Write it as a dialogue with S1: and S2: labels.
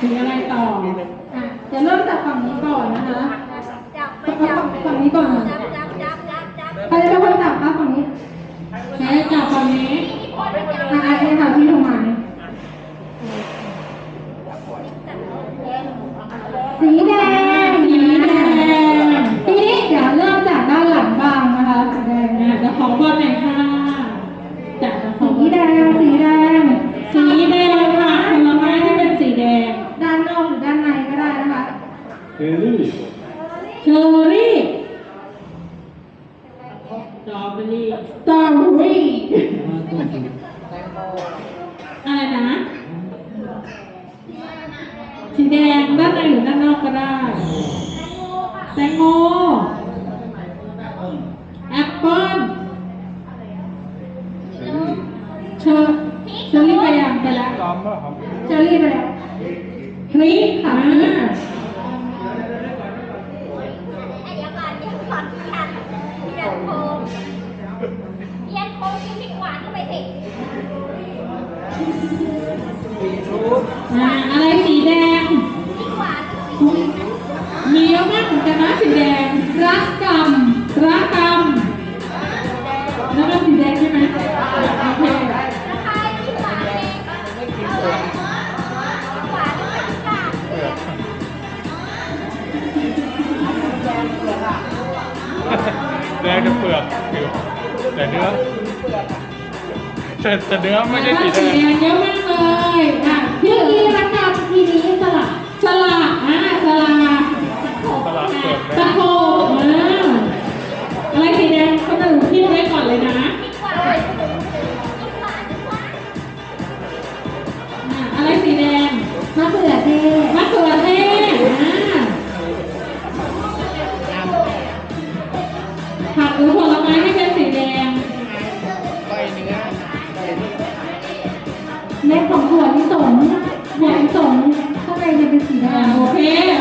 S1: สีอะไรต่อเดี๋ยวเริ่มจากฝั่งนี้ก่อนนะคะฝั่งนี้ก่อนใครจะเป็นคนจับคะฝั่งนี้ใครจับฝั่งนี้ไอ้ค่ะพี่โทรมาสีแดงทีนี้เดี๋ยวเริ่มจากด้านหลังบ้างนะคะสีแดงจะขอบอลหน่อยค่ะจากสีแดงค่ะผลไม้ที่เป็นสีแดงด้านนอกหรือด้านในก็ได้นะคะเชอรี่สตรอเบอรี่อะไรนะสีแดงด้านในหรือด้านนอกก็ได้แตงโมแอปเปิ้ลเชอรี่ไปยังไปแล้วเชอรี่ไปแล้วพริกค่ะอะไรสีแดงมีเยอะมากเหมือนกันนะสีแดงรักกำแล้วก็สีแดงใช่ไหมโอเค
S2: แดงจะเปลือกแต่เนื้อแต่เนื้อไม่ใช่สีแดง
S1: เยอะมากเลยพี่รักกำทีนี้สลัดเปลือกตะโขบอะไรสีแดงคนอื่นพี่ไว้ก่อนเลยนะอะไรสีแดงมะเขือเทศผักหรือผลไม้ที่เป็นสีแดงเม็ดของถั่วลิสงข้างในจะเป็นสีแดงโอเค